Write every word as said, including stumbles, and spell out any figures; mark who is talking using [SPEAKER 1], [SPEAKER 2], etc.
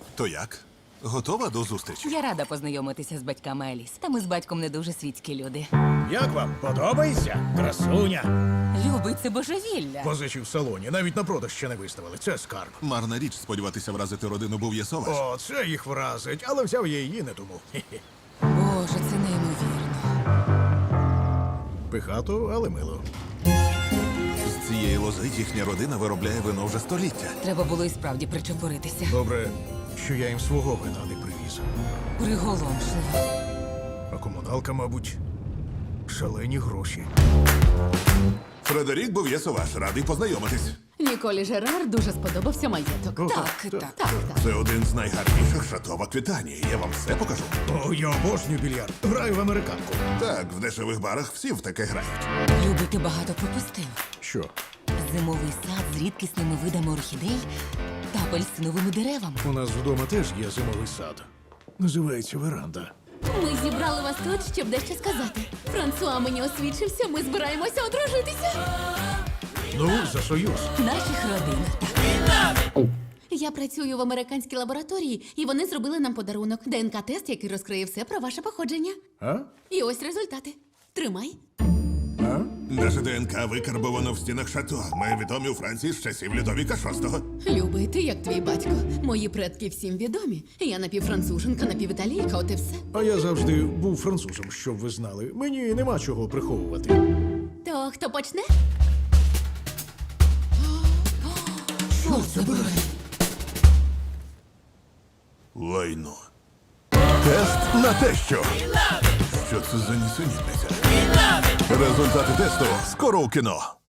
[SPEAKER 1] То як? Готова до зустрічі?
[SPEAKER 2] Я рада познайомитися з батьками Еліс. Та ми з батьком не дуже світські люди.
[SPEAKER 3] Як вам? Подобається? Красуня.
[SPEAKER 2] Любий, це божевілля.
[SPEAKER 3] Позичі в салоні, навіть на продаж ще не виставили. Це скарб.
[SPEAKER 1] Марна річ сподіватися вразити родину Бов'єсоваш.
[SPEAKER 3] О, це їх вразить, але взяв я її не тому. Хе-хе.
[SPEAKER 2] Боже, це неймовірно.
[SPEAKER 3] Пихато, але мило.
[SPEAKER 1] З цієї лози їхня родина виробляє вино вже століття.
[SPEAKER 2] Треба було і справді причепуритися.
[SPEAKER 3] Добре, що я їм свого вина не привіз.
[SPEAKER 2] Приголомшливо.
[SPEAKER 3] А комуналка, мабуть, шалені гроші.
[SPEAKER 1] Фредерік Бов'єсоваш, радий познайомитись.
[SPEAKER 4] Ніколі Жерар дуже сподобався маєток.
[SPEAKER 3] О,
[SPEAKER 2] Так, так.
[SPEAKER 4] Так, так.
[SPEAKER 1] Це один з найгарніших шато в Аквітанії. Я вам все покажу.
[SPEAKER 3] О, я обожнюю більярд. Граю в американку.
[SPEAKER 1] Так, в дешевих барах всі в таке грають.
[SPEAKER 2] Любий, ти багато пропустив.
[SPEAKER 3] Що?
[SPEAKER 2] Зимовий сад з рідкісними видами орхідей та апельсиновими деревами.
[SPEAKER 3] У нас вдома теж є зимовий сад. Називається веранда.
[SPEAKER 4] Ми зібрали вас тут, щоб дещо сказати. Франсуа мені освідчився, ми збираємося одружитися.
[SPEAKER 3] Ну, за союз.
[SPEAKER 2] В наших родинах.
[SPEAKER 4] Я працюю в американській лабораторії, і вони зробили нам подарунок. ДНК-тест, який розкриє все про ваше походження.
[SPEAKER 3] А?
[SPEAKER 4] І ось результати. Тримай.
[SPEAKER 3] А?
[SPEAKER 1] Наше ДНК викарбовано в стінах шато. Ми відомі у Франції з часів Людовіка шостого.
[SPEAKER 4] Любий, ти як твій батько. Мої предки всім відомі. Я напівфранцуженка, напівіталійка, от і все.
[SPEAKER 3] А я завжди був французом, щоб ви знали. Мені нема чого приховувати.
[SPEAKER 4] То хто почне?
[SPEAKER 2] Що це було?
[SPEAKER 1] Лайно. Тест на те, що. Що це за нісенітниця? Результати тесту скоро у кіно.